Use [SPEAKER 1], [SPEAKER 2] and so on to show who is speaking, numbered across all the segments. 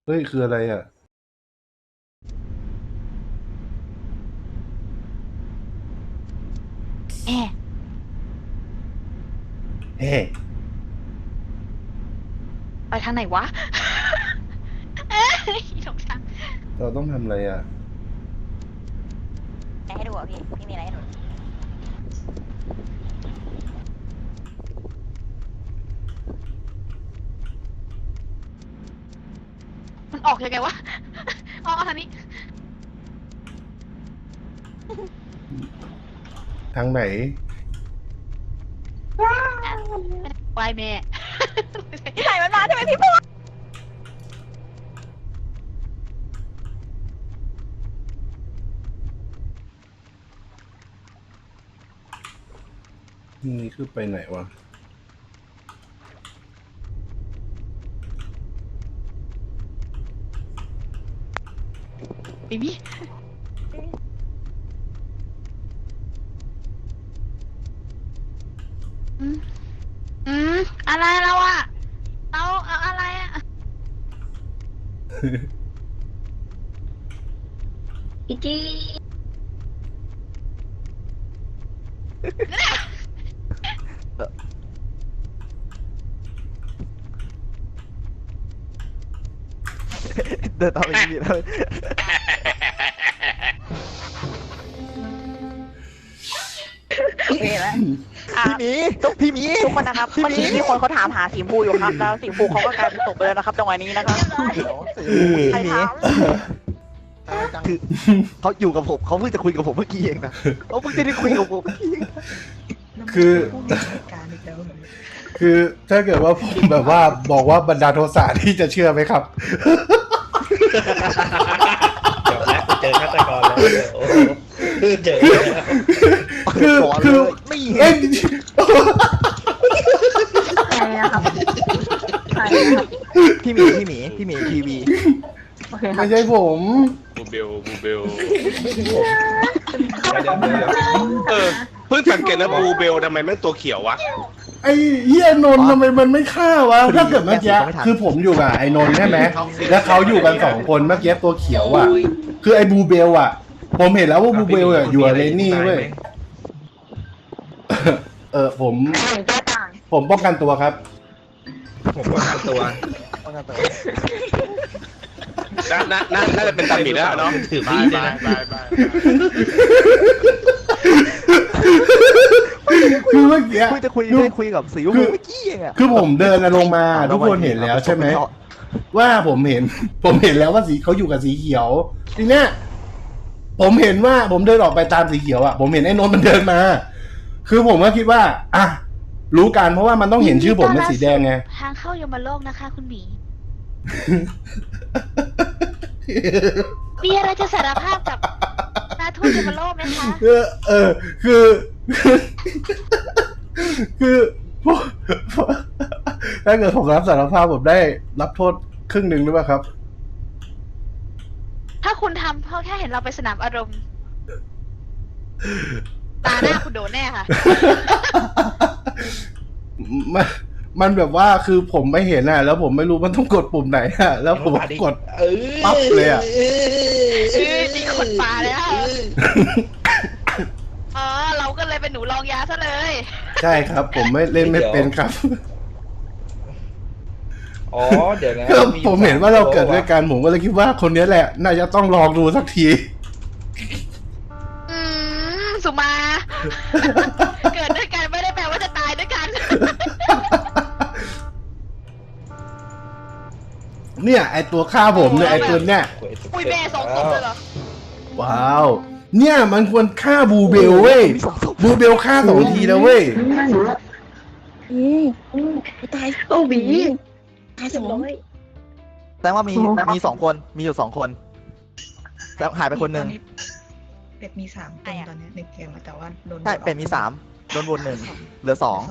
[SPEAKER 1] เฮ้ยคืออะไรอ่ะ
[SPEAKER 2] แอะ
[SPEAKER 1] เฮ้
[SPEAKER 2] ไปทางไหนวะเอ้ยสงสาร
[SPEAKER 1] เราต้องทำอะไรอ่ะ
[SPEAKER 3] อะไรให้ดูอ่ะพี่มีอะไรให้ดู
[SPEAKER 2] มันออกยังไงวะเอาทางนี้
[SPEAKER 1] ทางไหน
[SPEAKER 2] วายแม่
[SPEAKER 3] พี่ไหนมันมาใช่ไหมพี่พูด
[SPEAKER 1] นี่คือไปไหนวะ
[SPEAKER 2] ไม่มีอืมอืมอะไรเราอะเอาอะไรอะอีจี
[SPEAKER 4] เดินตามไปพี่เลย
[SPEAKER 3] โอเคแล้ว
[SPEAKER 4] พี่หมี
[SPEAKER 3] ทุกคนนะครับเมื่อกี้มีคนเขาถามหาสีชมพูอยู่ครับแล้วสีชมพูเขาก็กลายเป็นศพไปแล้วนะครับจังหวะนี้นะครับใคร
[SPEAKER 4] พี่หมี
[SPEAKER 3] ถาม
[SPEAKER 4] คือเขาอยู่กับผมเขาเพิ่งจะคุยกับผมเมื่อกี้เองนะเขาเพิ่งจะได้คุยกับผมเมื่อกี้
[SPEAKER 1] คือคือถ้าเกิดว่าผมแบบว่าบอกว่าบรรดาลโทสะที่จะเชื่อไหมครับ
[SPEAKER 5] จบแล้วเจอฆาตกรแล้วโอ้โหเจอแล้ว
[SPEAKER 1] คือ
[SPEAKER 4] ก่อน
[SPEAKER 1] คื
[SPEAKER 4] เล
[SPEAKER 1] อย
[SPEAKER 4] ไม่
[SPEAKER 1] เอ้
[SPEAKER 4] เห็
[SPEAKER 1] ย
[SPEAKER 4] น
[SPEAKER 6] ใครนะครับใครนะครับ
[SPEAKER 4] พี่หมีทีวี
[SPEAKER 6] โอเคครับ
[SPEAKER 1] ไม่ใช่ผม
[SPEAKER 7] บูเบลเดี๋ยวเพิ่งสังเกตนะบูเบลทำไมแม่งตัวเขียววะ
[SPEAKER 1] ไอ้เฮียนนท์ทำไมมันไม่ฆ่าวะถ้าเกิดเมื่อกี้คือผมอยู่กับไอ้นนท์ใช่ไหมแล้วเขาอยู่กัน2 คนเมื่อกี้ตัวเขียวอ่ะ คือไอ้บูเบลอ่ะ ผมเห็นแล้วว่าบูเบลอ่ะอยู่กับเลนนี่เว้ยผม
[SPEAKER 6] ใครแก้ต่าง
[SPEAKER 1] ผมป้องกันตัวครับ
[SPEAKER 5] ผมก็ทำตัว
[SPEAKER 7] น่าจะเป็นตาหมีแล้วเนาะ
[SPEAKER 5] ถือมีดเลยนะ
[SPEAKER 1] คือเมื่อกี้
[SPEAKER 4] คุยจะคุยกับสีชมพูเมื่อกี้เองอะ
[SPEAKER 1] คือผมเดินลงมาทุกคนเห็นแล้วใช่ไหมว่าผมเห็นแล้วว่าสีเขาอยู่กับสีเขียวทีเนี้ยผมเห็นว่าผมเดินออกไปตามสีเขียวอ่ะผมเห็นไอ้นนท์มันเดินมา คือผมก็คิดว่าอ่ะรู้กันเพราะว่ามันต้องเห็นชื่อผมเป็นสีแดงไง
[SPEAKER 2] ทางเข้ายมโลกนะคะ คุณหมี มีอะไรจะสารภาพกับนาทูตยมโลกไหมคะ
[SPEAKER 1] คือคือผมถ้าเกิดผมรับสารภาพผมได้รับโทษครึ่งหนึ่งหรือเปล่าครับ
[SPEAKER 2] ถ้าคุณทำเพราะแค่เห็นเราไปสนามอารมณ์ ตาหน้าคุณโดนแน่ค่ะ
[SPEAKER 1] มันมันแบบว่าคือผมไม่เห็นอ่ะ แล้วผมไม่รู้มันต้องกดปุ่มไหนอ่ะ แล้วผมกด ปั๊บเลยอะ
[SPEAKER 2] นี่คนป่าเลยค่ะอ๋อ เราก็เลยเป็นหนูลองยาซะเลย
[SPEAKER 1] ใช่ครับ ผมไม่เล่นไม่เป็นครับ
[SPEAKER 5] อ๋อเดี๋ยวนะ
[SPEAKER 1] ก็ผมเห็นว่าเราเกิดด้วยกันผมก็เลยคิดว่าคนนี้แหละ น่าจะต้องลองดูสักที
[SPEAKER 2] สุมา เกิดด้วยกันไม่ได้แปลว่าจะตายด้วยกัน
[SPEAKER 1] เนี่ยไอตัวฆ่าผมเนี่ยไอตัวเนี่ย
[SPEAKER 2] อุ้ยแม่สองศพเลยเหรอ
[SPEAKER 1] ว้าว เนี่ยมันควรฆ่าบูเบลเว้ย บูเบลฆ่า2 ทีแล้วเว้ย
[SPEAKER 6] ตายโอ้บีตายสอง
[SPEAKER 4] แต่ว่ามี2 คนมีอยู่2 คนแล้วหายไปคนหนึ่ง
[SPEAKER 8] เป็ดมี3 คนตอนนี้ในเกมอะแต่ว่าโดน
[SPEAKER 4] ใช่เป็นมี3โดนวน1เหลือ 2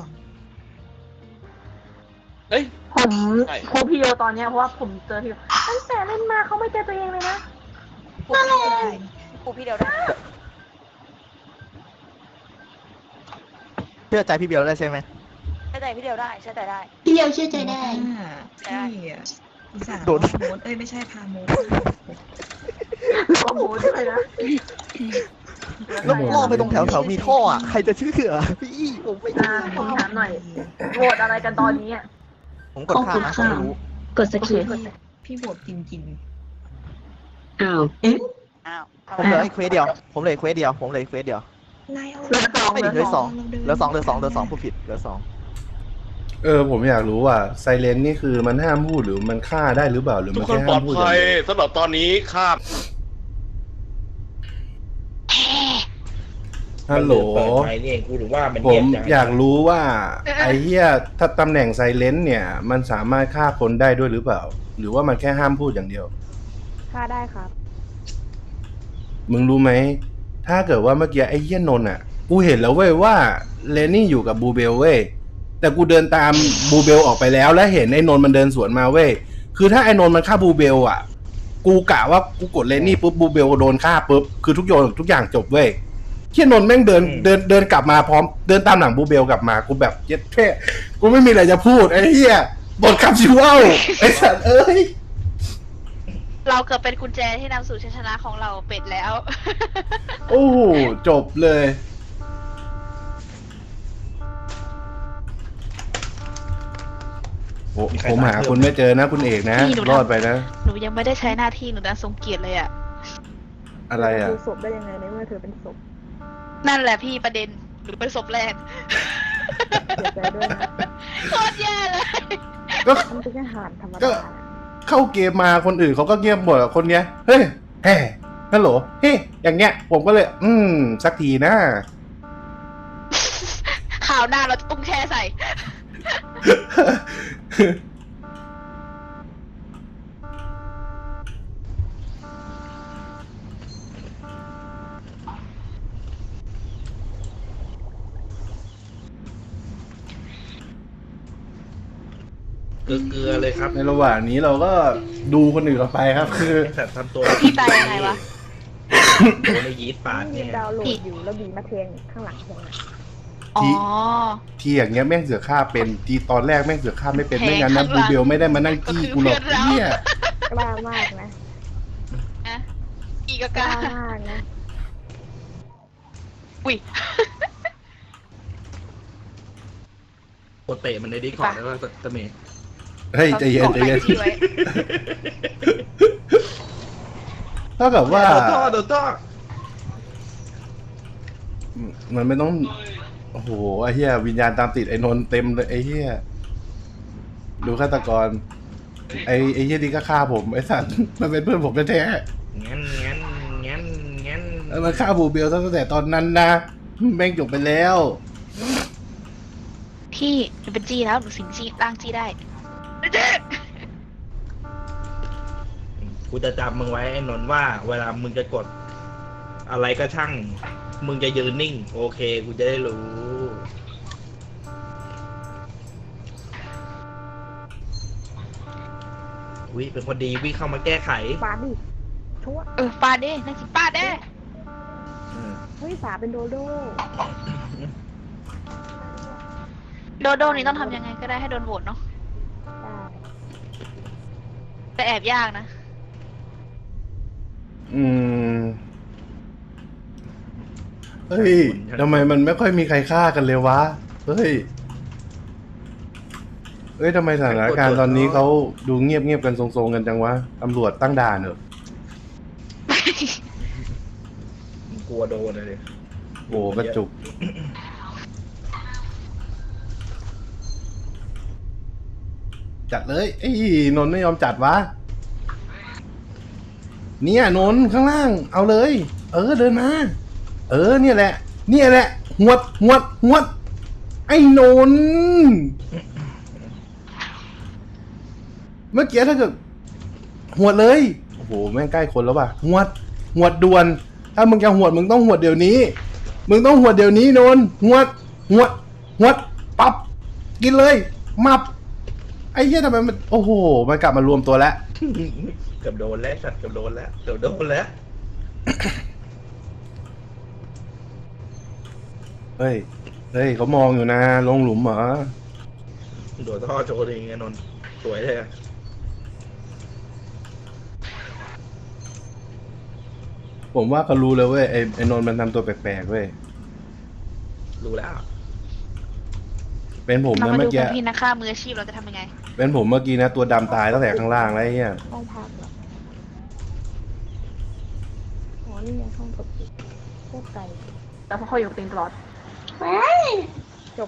[SPEAKER 7] เอ้ย
[SPEAKER 6] ผมโคพี่โยตอนเนี้ยเพราะว่าผมเจอพี่โยตั้งแต่เล่นมาเขาไม่เจอตัวเองเลยนะ
[SPEAKER 3] ปูพี่เดียวได้
[SPEAKER 4] เชื่อใจพี่เบลได้ใช่ไหม
[SPEAKER 3] ใช่ใจพี่เดียวได้ใช่ใจได้
[SPEAKER 6] พี่โยเชื่อใจได้
[SPEAKER 8] พี่อะอุตส่าห์
[SPEAKER 4] โดน
[SPEAKER 8] ว่าโมดไม่ใช่พาโมด
[SPEAKER 6] โอ้โหด้วยนะ
[SPEAKER 4] แล้วล่อไปตรงแถวมีท่ออ่ะใครจะเชื่อพี่ผมไม่
[SPEAKER 6] ผมถามหน่อยโหวตอะไรกันตอนนี้อ่ะ
[SPEAKER 4] ผมกดข้ามนะผมไม่รู้
[SPEAKER 6] กดสกิป
[SPEAKER 8] พี่โหวตจริง
[SPEAKER 6] อ้าวเอ๊ะ
[SPEAKER 3] อ้าว
[SPEAKER 4] ผมเหลืออีกเควสเดียวผมเหลืออีกเควสเดียวผมเหลืออีกเควสเดียว
[SPEAKER 8] ๆนายเอา
[SPEAKER 6] เหลือสอง
[SPEAKER 4] ไม่ดิเหลือสองเหลือสองเหลือสองเหลือสองผู้ผิดเหลือสอง
[SPEAKER 1] ผมอยากรู้ว่าไซเลนนี่คือมันห้ามพูดหรือมันฆ่าได้หรือเปล่าหรือ
[SPEAKER 7] ทุ
[SPEAKER 1] มั
[SPEAKER 7] ก
[SPEAKER 1] น
[SPEAKER 7] คน
[SPEAKER 1] แค่
[SPEAKER 7] ปล
[SPEAKER 1] ห้า
[SPEAKER 7] อ
[SPEAKER 1] ม
[SPEAKER 7] ด
[SPEAKER 1] พูด
[SPEAKER 7] ภัยสำหรับตอนนี้ข้าม
[SPEAKER 1] ฮัลโหล
[SPEAKER 5] เปิดไมค์นี่เองกูหรือว่ามัน
[SPEAKER 1] ผ
[SPEAKER 5] เงีย
[SPEAKER 1] ม
[SPEAKER 5] บจัง
[SPEAKER 1] อยากรู้ว่าไอ้เหี้ยถ้าตำแหน่งไซเลนเนี่ย มันสามารถฆ่าคนได้ด้วยหรือเปล่า หรือว่ามันแค่ห้ามพูดอย่างเดียว
[SPEAKER 6] ค่าได้ครับ
[SPEAKER 1] มึงรู้ไหมถ้าเกิดว่าเมื่อกี้ไอ้เหี้ยนนท์อ่ะกูเห็นแล้วเว้ยว่าเลนนี่อยู่กับบูเบลเว้ยแต่กูเดินตามบูเบลออกไปแล้วและเห็นไอ้นนท์มันเดินสวนมาเว้ยคือถ้าไอ้นนท์มันฆ่าบูเบลอ่ะกูกะว่ากูกดเลนนี่ปุ๊บบูเบลโดนฆ่าปุ๊บคือทุกอย่างจบเว้ยเหี้ยนนท์แม่งเดินกลับมาพร้อมเดินตามหลังบูเบลกลับมากูแบบเย็ดแค่กูไม่มีอะไรจะพูดไอ้เหี้ยบทคำชิวเอาไอ้สัตว์เอ้ย
[SPEAKER 2] เราเกือบเป็นกุญแจที่นำสู่ชัยชนะของเราเป็ดแล้ว
[SPEAKER 1] โอ้โหจบเลยผมหาคุณไม่เจอนะคุณเอกนะ
[SPEAKER 2] พี่หนูทำ
[SPEAKER 1] รอดไปนะ
[SPEAKER 2] หนูยังไม่ได้ใช้หน้าที่หนูดันทรงเกียรติเลยอ่ะ
[SPEAKER 1] อะไรอ่ะ
[SPEAKER 6] ดูศพได้ยังไงในเมื่อเธอเป็นศพ
[SPEAKER 2] นั่นแหละพี่ประเด็นหนูเป็นศพแรก
[SPEAKER 6] เสียใจด้วยนะ
[SPEAKER 2] โคตรแย่เลย
[SPEAKER 1] ก็
[SPEAKER 6] มันเป็นแค่หารธรรม
[SPEAKER 1] ก็
[SPEAKER 6] ดา
[SPEAKER 1] เข้าเกมมาคนอื่นเขาก็เงียบหมดอะคนเนี้ย เฮ้ยแฮ่ฮัลโหลเฮ้ยอย่างเงี้ย ผมก็เลย สักทีนะ
[SPEAKER 2] ข่าวหน้าเราจะตุ้งแช่ใส่
[SPEAKER 5] เกลือเลยครับ
[SPEAKER 1] ในระหว่างนี้เราก็ดูคนอื่นเราไปครับ คือ
[SPEAKER 5] ไอ้สัตว์ทำตัว
[SPEAKER 2] พี่ตายยังไงวะ
[SPEAKER 5] โดนไอ้ยีสต์ปาด
[SPEAKER 6] มี
[SPEAKER 5] เนี่ย
[SPEAKER 6] ดาวน์โหลดอยู่แล้วบีมาเทงข้างหลังผมอะ
[SPEAKER 2] อ๋อ
[SPEAKER 1] ทีอย่างเงี้ยแม่งเสือฆ่าเป็นทีตอนแรกแม่งเสือฆ่าไม่เป็น
[SPEAKER 2] แทง
[SPEAKER 1] ไม่งั้นนะ
[SPEAKER 2] ข้างหลั
[SPEAKER 1] บู
[SPEAKER 2] ง
[SPEAKER 1] เบลไม่ได้มานั่งจี้กูหรอก
[SPEAKER 2] ก็คือเพื่อนเรา
[SPEAKER 1] เนี่ย
[SPEAKER 6] กล้ามากนะ
[SPEAKER 2] นะอีก
[SPEAKER 6] ก
[SPEAKER 2] กา
[SPEAKER 6] ล้ามากนะ
[SPEAKER 2] อุ้ย
[SPEAKER 5] กดเตะมันในดีก่อนแล้วก็ตะเมย์
[SPEAKER 1] เฮ้ยใจเย็นใจเย็น
[SPEAKER 2] อาที่ไว้
[SPEAKER 1] เท่ากับว่า
[SPEAKER 5] โดนท่อโดนท่อ
[SPEAKER 1] มันไม่ต้อง โอ้โห ไอ้เหี้ยวิญญาณตามติดไอ้นนท์เต็มเลยไอ้เหี้ยดูฆาตกร ไอ้เหี้ยนี่ก็ฆ่าผมไอ้สัตว์มันเป็นเพื่อนผมแท้
[SPEAKER 5] งั้น
[SPEAKER 1] ๆแล้วมันฆ่าบูเบลตั้งแต่ตอนนั้นนะแม่งจบไปแล้ว
[SPEAKER 2] พี่หนูเป็นจี้แล้วหนูสิงจี้ร่างจี้ได้เจ๊
[SPEAKER 5] กูจะจำมึงไว้ไอ้นนท์ว่า เวลามึงจะกด อะไรก็ช่าง มึงจะยืนนิ่ง โอเค กูจะได้รู้วิเป็นคนดีวิ่งเข้ามาแก้ไข
[SPEAKER 6] ฟาดดิชั่ว
[SPEAKER 2] ปาดดินั่นสิปาดเด้
[SPEAKER 6] เฮ้ยฝาเป็นโดโด้
[SPEAKER 2] โดโดนี่ต้องทำยังไงก็ได้ให้โดนโหวตเนาะ
[SPEAKER 6] ได้
[SPEAKER 2] แต่แอบยากนะ
[SPEAKER 1] เฮ้ยทำไมมันไม่ค่อยมีใครฆ่ากันเลยวะ เฮ้ยทำไมสถานการณ์ตอนนี้เขาดูเงียบๆกันทรงๆกันจังวะ ตำรวจตั้งด่านเหรอ
[SPEAKER 5] กลัวโดนเลย
[SPEAKER 1] โอ้กระจุก จัดเลยไอ้นนท์ไม่ยอมจัดวะ เนี่ยนนท์ข้างล่าง เอาเลย เดินมา เนี่ยแหละ หวด ไอ้นนท์เมื่อกี้ถ้าเกิดหวดเลย โอ้โห แม่งใกล้คนแล้วป่ะหวดด่วน ถ้ามึงจะหวดมึงต้องหวดเดี๋ยวนี้ นนท์หวด ปับ กินเลย มับ ไอ้เหี้ยทำไมมัน โอ้โห มันกลับมารวมตัวแล้ว
[SPEAKER 5] เกือบโดนแล้วสัตว์เกือบโดนแล้ว
[SPEAKER 1] เฮ้ยเขามองอยู่นะ ลงหลุมเหรอ
[SPEAKER 5] โดนท่อโชว์เองไงนนท์สวยเลยอะ
[SPEAKER 1] ผมว่าเขารู้เลยเว้ยไอ้นนท์มันทำตัวแปลกๆเว้ย
[SPEAKER 5] รู้แล้ว
[SPEAKER 1] เป็นผม
[SPEAKER 2] เรา
[SPEAKER 1] นะ
[SPEAKER 2] มา
[SPEAKER 1] เมื่
[SPEAKER 2] ดู
[SPEAKER 1] อกี้
[SPEAKER 2] กันพี่นักฆ่ามืออาชีพเราจะทำยังไง
[SPEAKER 1] เป็นผมเมื่อกี้นะตัวดำตายตั้งแต่ข้างล่างแล้วไอ้เหี้ย
[SPEAKER 6] ห้องพักเหรออ๋อนี่ไงห้องกดปิดพวกไก่แต่พอเขาอยู่ตีนตลอดจบ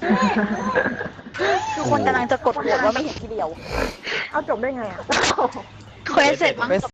[SPEAKER 3] ทุกคนกำลังจะกดโหวตว่าไม่เห็นทีเดียว
[SPEAKER 6] เอาจบได้ไงอ่ะ
[SPEAKER 2] เควสเสร็จมั้ง
[SPEAKER 4] ไม่